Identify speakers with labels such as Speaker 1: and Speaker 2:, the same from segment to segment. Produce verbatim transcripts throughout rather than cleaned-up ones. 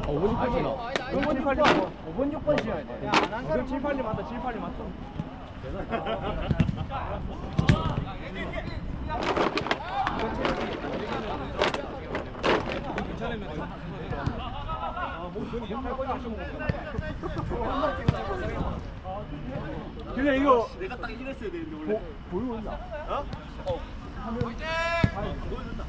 Speaker 1: 오 번 육 번 지나.
Speaker 2: 오 번 육 번 오 번 육 번 씌워야 돼. 지금 칠 팔 리 맞다. 칠 팔 리 맞다.
Speaker 3: 그래 이거
Speaker 1: 내가 딱 이랬어야 되는데 원래.
Speaker 3: 보이고 있나?
Speaker 1: 어? 어.
Speaker 3: 하면
Speaker 1: 보여준다.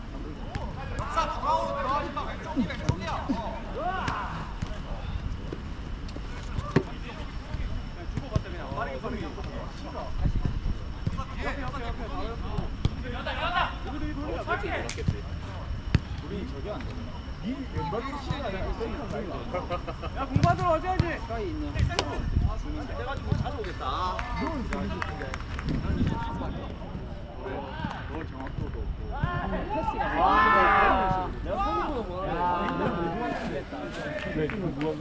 Speaker 3: 우리 저기 안 되나? 니 왼발로 치는 아니야?
Speaker 2: 야 공받으러 어쩌지?
Speaker 3: 가까이 있는
Speaker 1: 그래가지고 자주 오겠다.
Speaker 3: 넌 그런데 너 정확도도 없고 패스가
Speaker 2: 와.
Speaker 3: 내가 성공보다 뭐 왜 누가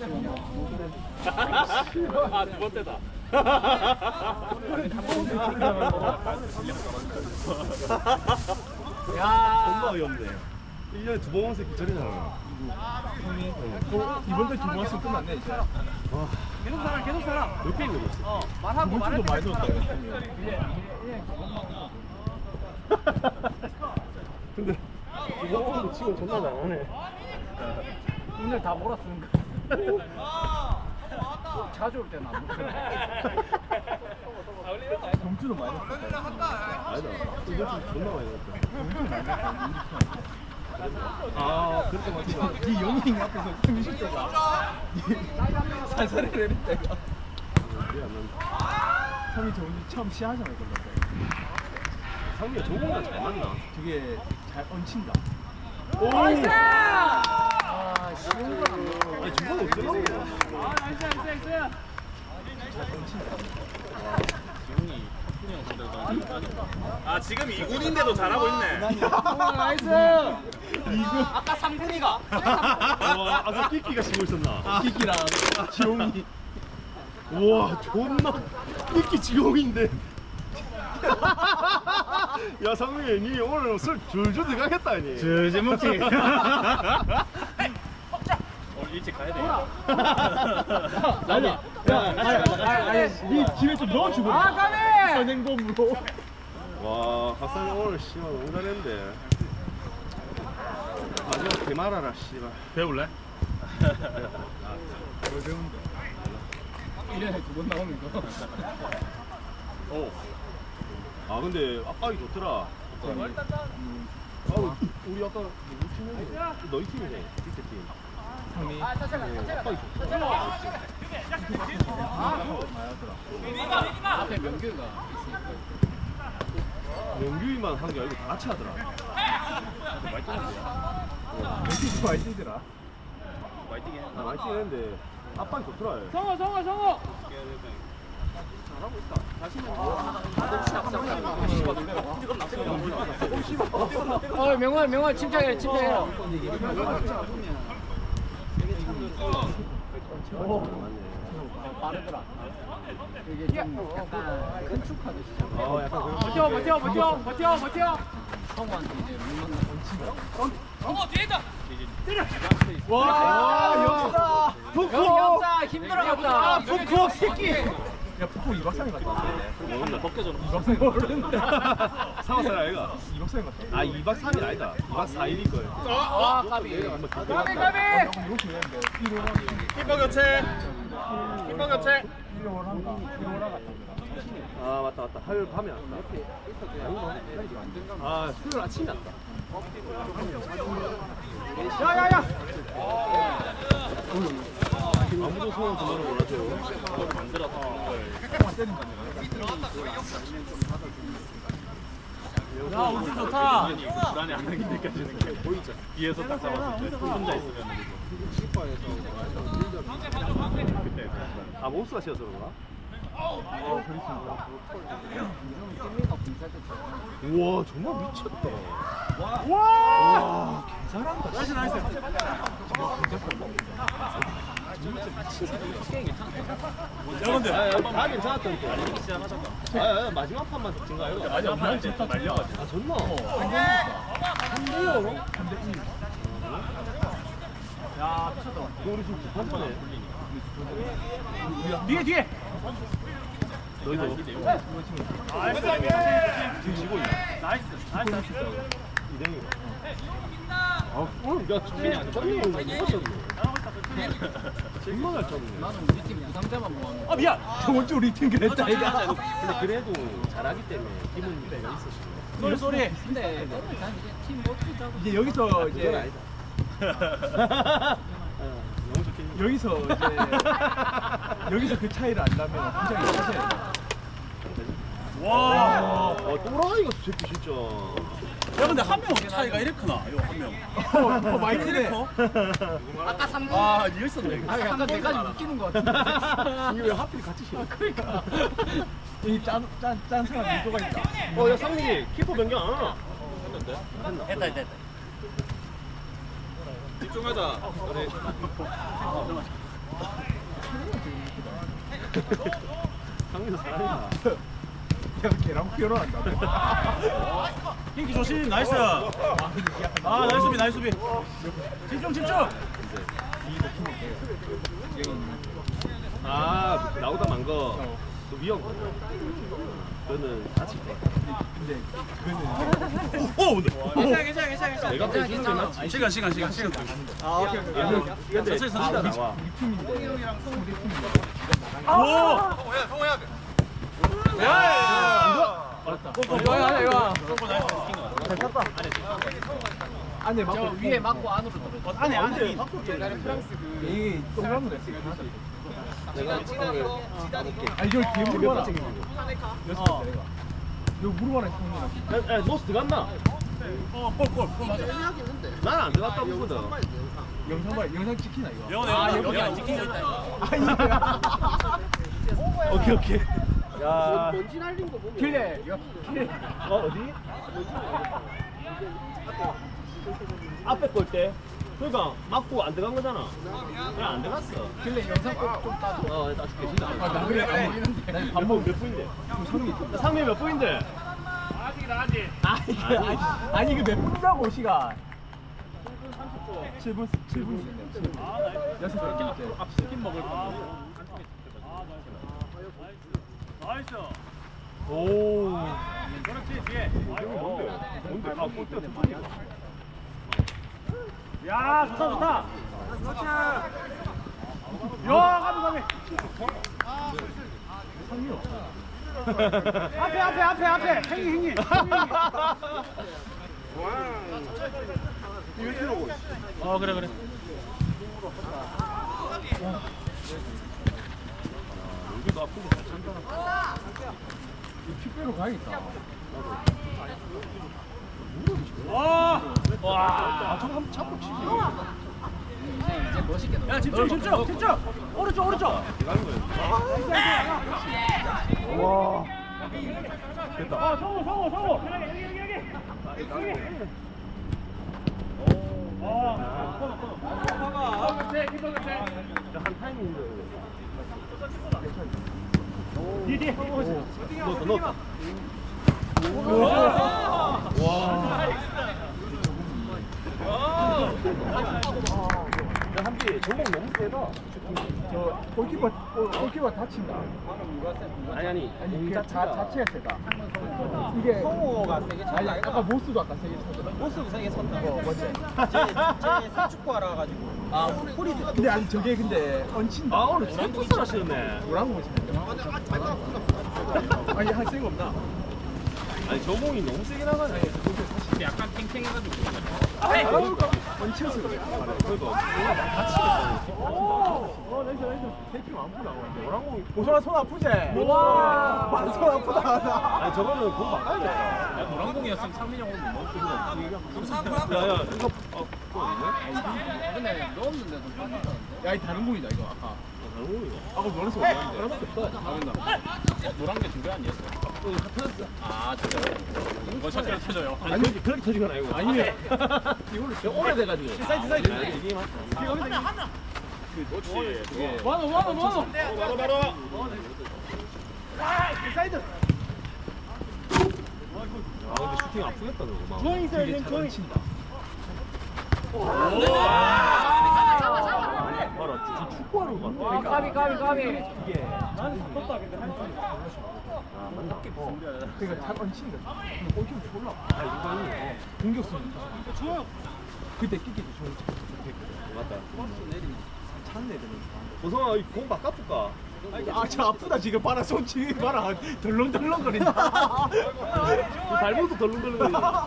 Speaker 1: 아, 두 번째다.
Speaker 2: 야.
Speaker 1: 존나 어이없네. 일 년에 두 번 왔을 기절이잖아.
Speaker 3: 형이 이번 달 두 번 왔으면 끝났네 이제.
Speaker 1: 와,
Speaker 2: 계속 살아 계속 살아.
Speaker 1: 몇 게임 걸렸어?
Speaker 2: 어 말하고
Speaker 3: 이번 주도 많이 들었다 이거.
Speaker 1: 근데 이거 오늘 치고 존나 잘하네.
Speaker 2: 오늘 다 몰았으니까. 자주 올 때는 안 먹어.
Speaker 3: 점수도 많이 넣었다.
Speaker 1: 아니다. 이번 주 존나 많이 넣었다.
Speaker 3: 점수도 많이 넣었다.
Speaker 1: 아, 그렇게 맞지.
Speaker 3: 네 영희 앞에서 승실 때가 살살해 내릴 때가
Speaker 1: 이해 안 난다.
Speaker 3: 삼이 저 오늘 처음 시하잖아 이거.
Speaker 1: 상미가 저거보다 잘 맞나?
Speaker 3: 되게 잘 얹힌다.
Speaker 1: 오!
Speaker 2: 나이스! 아 쉬운 거 아니야.
Speaker 1: 아니, 저건 어쩌라고.
Speaker 2: 아 나이스 나이스 나이스.
Speaker 3: 잘 얹힌다.
Speaker 4: 아 지금 이 군인데도 잘하고 있네.
Speaker 2: 아 나이스.
Speaker 3: 이거
Speaker 2: 아까 삼 군이가.
Speaker 1: 와, 아까 끼끼가 치고 있었나?
Speaker 3: 키키랑 지용이.
Speaker 1: 우와, 존나 끼끼 지공인데. 야, 상민이, 니 오늘 술 줄줄 들어가겠다, 니.
Speaker 3: 저제 먹지.
Speaker 4: 오늘 일찍 가야 돼.
Speaker 3: 아니, 야, 아니, 아니, 아니, 니 집에 좀 넣어주고.
Speaker 2: 아 가네.
Speaker 3: 현행범으로.
Speaker 1: 와, 박상이 오늘 씨발 너무 잘했는데. 마지막 개말하라, 씨발.
Speaker 4: 배울래?
Speaker 3: 뭘 배운데?
Speaker 2: 일 년에 두 번 나오는 거.
Speaker 1: 오. 아, 근데 압박이 좋더라.
Speaker 3: 음,
Speaker 1: 아, 우리 아까 누구 팀이야? 너희 팀이네, 밑에 팀.
Speaker 3: 상미.
Speaker 1: 어, 압박이 좋더라.
Speaker 2: 앞에 명규가 있으니까.
Speaker 1: 명규이만 한 게 아니고 다 같이 하더라.
Speaker 3: 멘티스 많이 뛰더라.
Speaker 1: 나 많이 뛰는데 압박이 좋더라. 얘.
Speaker 2: 성호 성호 성호.
Speaker 1: 잘하고 있다. 다시는
Speaker 2: 어 명환 명환 침착해 침착해. 빠르더라. 이게 좀 약간 건축하듯이.
Speaker 1: 어, 약간 그런.
Speaker 2: 버텨 버텨 버텨 버텨 버텨. 성우한테 이제 물만
Speaker 3: 와, 역사.
Speaker 2: 여기 없다 힘들어갔다.
Speaker 3: 푸크 새끼. 야, 푸크 이박삼이 같다.
Speaker 1: 모른다. 벗겨져.
Speaker 3: 이박삼이 모르는데.
Speaker 1: 사왔어라, 아이가.
Speaker 3: 이박삼이 같다.
Speaker 1: 아, 이박 삼일 아니다. 이박 사일일 거야.
Speaker 2: 아 까비.
Speaker 1: 한번
Speaker 2: 까비
Speaker 1: 기대해.
Speaker 2: 까비.
Speaker 3: 이거 되는데. 일월
Speaker 4: 키퍼 교체. 키퍼 교체.
Speaker 3: 일월 한가. 일월 한가.
Speaker 1: 아, 맞다, 맞다. 화요일 밤에 왔다. 아, 수요일 아침에 왔다.
Speaker 2: 야야야.
Speaker 1: 아무도 소원 전화를 몰라줘.
Speaker 2: 야 우주 좋다.
Speaker 4: 불안이 안 하긴 느껴지는 게 보이죠. 뒤에서 딱 잡았을 때 혼자 있으면 그때
Speaker 1: 아, 모스가 씌어서 그런가? 우와, 정말 미쳤다. 와, 개잘한다. 나이스, 나이스.
Speaker 4: 여러분들
Speaker 1: 아, 다 괜찮았다니까. 아, 아, 마지막 판만 진 거 아니야?
Speaker 4: 마지막 판에 진짜 말려가지고
Speaker 1: 아, 졌나?
Speaker 3: 삼 대요. 삼 대 일.
Speaker 1: 야,
Speaker 2: 야 미쳤다.
Speaker 1: 우리 지금 급하잖아.
Speaker 2: 뒤에 뒤에.
Speaker 1: 너희도
Speaker 2: 지금
Speaker 1: 지고 있네.
Speaker 2: 나이스 나이스.
Speaker 1: 이대형이. 아, 오늘 야, 쩌네. 쩌네. 누가 쩌네? 정말 잘 쩌네.
Speaker 3: 나는 우리 팀 부상자만 모아놓은
Speaker 2: 아 미안.
Speaker 3: 저번 주 우리 팀 그랬다 이거.
Speaker 1: 근데 그래도 잘하기 때문에 기분 내가 있었어.
Speaker 2: 쏘리 쏘리.
Speaker 3: 근데 난 이제 팀 못하자고.
Speaker 2: 이제 여기서
Speaker 1: 그건
Speaker 2: 이제
Speaker 1: 아니다. 어, 너무 좋겠네.
Speaker 2: 여기서 이제 여기서 그 차이를 안다면 굉장히 커져요.
Speaker 1: 와, 어, 또라이가 새끼 진짜.
Speaker 2: 야 근데 한 명 차이가 이렇게 크나? 이거 한 명. 어, 많이 크네.
Speaker 3: 아까 삼 분.
Speaker 2: 아 이거 있었네.
Speaker 3: 아 약간 내가 좀 웃기는 것 같은데.
Speaker 1: 이게 왜 하필 같이 싫어?
Speaker 2: 그러니까 이짠짠짠 사람 유도가 있다.
Speaker 1: 어, 야, 상민이 키퍼 변경 안 하나?
Speaker 2: 했다 했다 했다.
Speaker 1: 집중하자. 그래. 상민이 잘한다.
Speaker 2: 야 걔랑 결혼한다. 핑키 조심 나이스. 아 나이스 수비 나이스 수비. 집중 집중.
Speaker 1: 아, 나오다 만 거. 또 위험. 그거는 다칠 때.
Speaker 2: 근데 그는 오 근데 괜찮아 괜찮아 괜찮아
Speaker 1: 내가 빼주는 게 맞지.
Speaker 2: 시간 시간 시간 시간. 아 오케이 오케이.
Speaker 1: 근데
Speaker 2: 천천히
Speaker 1: 진짜
Speaker 2: 천천히.
Speaker 1: 나와.
Speaker 2: 오. 야. 이거 아니야 이거. 잘 탔다. 안에 맞고
Speaker 3: 저 위에 맞고 안으로 들어.
Speaker 2: 안에 안에.
Speaker 3: 옛날에 프랑스 그
Speaker 2: 이 동그라미
Speaker 1: 내가 치다를 까볼게.
Speaker 2: 아 이걸 뒤에 물어봐라.
Speaker 1: 어.
Speaker 2: 여섯 개 내가. 이거 물어봐라 형님.
Speaker 1: 야, 야, 노스 들어갔나?
Speaker 2: 어골골골 맞아.
Speaker 1: 나는 안 들어갔다 보거든.
Speaker 2: 영상 봐 영상 찍히나 이거.
Speaker 3: 영어 아 여기 안 찍힌 거 있다.
Speaker 1: 오케이, 오케이. 야.
Speaker 2: 길래 이거 길래.
Speaker 1: 어, 어디? 앞에 걸 때. 그러니까 맞고 안 들어간 거잖아. 그냥 안 들어갔어.
Speaker 3: 길래 영상 꼭좀 따줘.
Speaker 1: 어, 따줄게. 진짜.
Speaker 2: 아, 나 그래 안
Speaker 1: 밥 먹으면 몇 분인데?
Speaker 2: 상미
Speaker 1: 상미 몇 분인데?
Speaker 2: 아니 그 아니 아니 그 몇 분이라고 시간. 칠 분 칠 분. 아 나이스. 여섯 개 이제 앞 치킨 먹을 거. 나이스. 오. 그렇지 뒤에.
Speaker 1: 뭔데? 뭔데? 아, 골대 두 분이다.
Speaker 2: 야 좋다 좋다. 야 가비 가비. 상미요. 앞에 앞에 앞에 앞에 행이 행이.
Speaker 1: 이거 들어오고.
Speaker 2: 어 그래 그래.
Speaker 1: 여기도 아픈 거잘 찬다.
Speaker 2: 킥배로 가야겠다. 와. 와.
Speaker 1: 아, 저거 한번 잡고 치지.
Speaker 3: 이제 이제 멋있게 넣어.
Speaker 2: 야 집중 집중 집중. 오른쪽 오른쪽.
Speaker 1: 들어가는 거야.
Speaker 2: 와. 됐다. 아 성우 성우 성우. 여기 여기 여기 여기. 오. 아. 코너 코너. 봐봐. 그렇지 키퍼 그렇지.
Speaker 1: 한 타이밍인데.
Speaker 2: 뒤에 뒤에.
Speaker 1: 넣었다, 넣었다. 야, 한비 전공 너무 세다.
Speaker 2: 저 골키퍼 골- 골키퍼 다친다.
Speaker 1: 아니 아니.
Speaker 2: 아니
Speaker 1: 공
Speaker 2: 그 자,
Speaker 1: 자체가.
Speaker 2: 자체가 세다. 이게 성우가 세게 쳤다. 아니 아까 모스도 아까 세게 쳤다.
Speaker 3: 모습 세게 쳤다.
Speaker 2: 어 맞지.
Speaker 3: 제 사축구 하러 가지고. 아 홀이
Speaker 2: 근데 아니 저게 근데 얹힌다.
Speaker 1: 아, 오늘 센터스 하시네.
Speaker 2: 뭐라고 보시는데? 아니 할 생각 없나?
Speaker 1: 아니, 저공이 너무 세게 나가네.
Speaker 3: 약간 탱탱해가지고.
Speaker 2: 아유 얹혀서 그래.
Speaker 1: 그러니까 뭔가 다치겠다.
Speaker 2: 어 나이스 나이스.
Speaker 1: 테이핑 안 푸나? 노란공이.
Speaker 2: 보성아 손 아프지? 와. 손 아프다.
Speaker 1: 아니, 저거는 공 바꿔야겠다.
Speaker 3: 야 노란공이었으면 상민이 형은 못 먹고
Speaker 1: 야, 야, 이거, 어, 그거 어디네?
Speaker 3: 근데 넣었는데도 빠졌다는데.
Speaker 2: 야이 다른 공이다 이거 아까.
Speaker 1: 노란공이가.
Speaker 2: 아까 노란색 어디였는데?
Speaker 1: 하나밖에 없어.
Speaker 3: 어 노란 게 준비 아니었어?
Speaker 1: 어, 다 터졌어.
Speaker 3: 아 진짜. 이거 첫째로 쳐줘요.
Speaker 1: 아니, 그렇게, 그렇게 터진 건 아니고.
Speaker 2: 아니에요.
Speaker 1: 이걸로 오래돼가지고.
Speaker 2: 사이드, 사이드.
Speaker 1: 아, 이게 맞다. 그렇지. 그게.
Speaker 2: 원호 원호 원호.
Speaker 1: 바로, 바로.
Speaker 2: 사이드.
Speaker 1: 아, 근데 슈팅 아프겠다, 저거. 막.
Speaker 2: 중앙에 있어야 돼. 중앙에 친다.
Speaker 1: 오! 축구하는 것 같아.
Speaker 2: 와, 까비, 까비, 까비.
Speaker 1: 이게.
Speaker 2: 나는 떴다 근데 한 번에
Speaker 1: 아, 맞나?
Speaker 2: 어. 그러니까 잘 얹힌 거야. 얹히면 졸라.
Speaker 1: 아, 인간이.
Speaker 2: 어. 공격수는 좋아요. 그때 끼기도 좋은
Speaker 1: 맞다.
Speaker 2: 찬 애들은.
Speaker 1: 보성아, 이공 바꿔볼까?
Speaker 2: 아, 저 아프다 지금 봐라 손 지금 봐라 덜렁덜렁거린다.
Speaker 1: 발목도 덜렁덜렁거리네.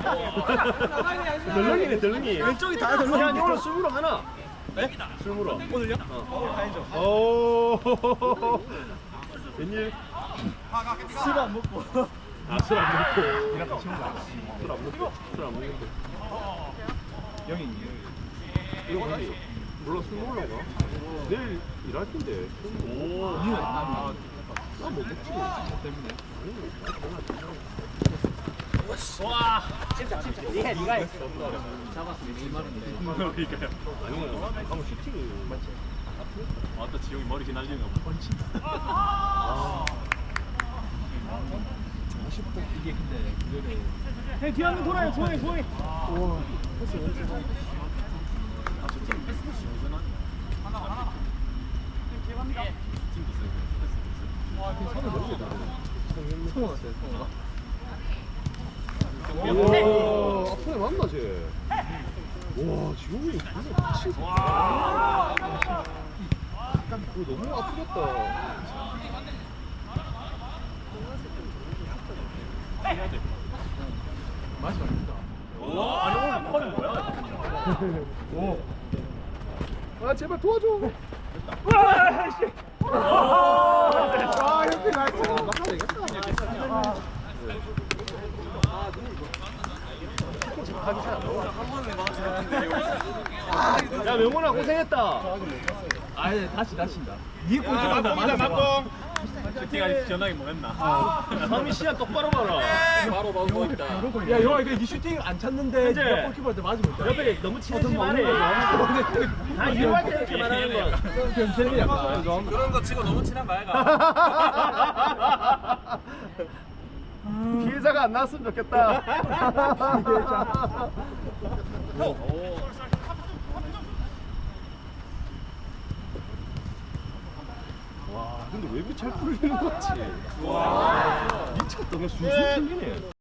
Speaker 1: 덜렁이네, 덜렁이.
Speaker 2: 왼쪽이 다 덜렁이.
Speaker 1: 야, 니 오늘 술 물어 하나.
Speaker 2: 네?
Speaker 1: 술 물어.
Speaker 2: 오늘요?
Speaker 1: 어.
Speaker 2: 다행이죠.
Speaker 1: 오. 웬일?
Speaker 2: 술 안 먹고.
Speaker 1: 아, 술 안 먹고.
Speaker 2: 이렇게 치운 거 아니야?
Speaker 1: 술 안 먹고. 술 안 먹는데.
Speaker 2: 영이.
Speaker 1: 이거 뭐지? 몰라, 술 먹으려고? 내일 일할 텐데. 오.
Speaker 2: 니는 안
Speaker 1: 나못 먹지.
Speaker 2: 때문에.
Speaker 3: 와 진짜 진짜 니가 니가 했어
Speaker 2: 잡았으면 일말인데.
Speaker 4: 그러니까요.
Speaker 1: 아니면 한번 슈팅을.
Speaker 4: 아따 지용이 머리 휘날리는 거.
Speaker 2: 번친다.
Speaker 1: 아.
Speaker 2: 아쉽다. 이게 근데 그거를.
Speaker 3: 형 뒤에 한명 돌아요 조용히 조용히
Speaker 2: 와. 패스 왼쪽.
Speaker 4: 아저 팀 패스 시원하네. 하나 하나. 팀도 세고 패스
Speaker 2: 와, 그 선을 모르겠다. 성우 왔어요, 성우가.
Speaker 1: 와, 앞에 맞나 쟤? 와, 지용이 진짜 미친.
Speaker 4: 와.
Speaker 1: 약간 그거 너무 아프겠다.
Speaker 4: 해야 돼.
Speaker 2: 맛이 맛있다.
Speaker 4: 와 아니 오늘 펄이 뭐야?
Speaker 2: 오.
Speaker 1: 아, 제발 도와줘.
Speaker 2: 와, 씨.
Speaker 1: 아, 형님 나이스. 맞다, 이겼다. 야, 명훈아 고생했다.
Speaker 2: 아예 다시 다친다. 니에 꼴찌 맞다. 맞다.
Speaker 4: 슈팅아직 전화기 뭐 했나?
Speaker 1: 삼이 시야 똑바로 봐라.
Speaker 4: 바로 바로 있다.
Speaker 2: 야, 영아 이거 니 슈팅 안 찼는데
Speaker 1: 현재.
Speaker 2: 네가 골키퍼한테 맞으면 있다.
Speaker 1: 옆에 너무 친해지
Speaker 2: 좀
Speaker 1: 말해.
Speaker 2: 먹는 거야.
Speaker 1: 다 이용할 때 이렇게 말하는 거.
Speaker 2: 변태는 약간.
Speaker 4: 그런 거 치고 너무 친한 거 아이가?
Speaker 1: 피해자가 안 나왔으면 좋겠다. 와, 근데 왜 이렇게 잘 풀리는 거지? 와, 미쳤다. 그냥 술술 풀리네.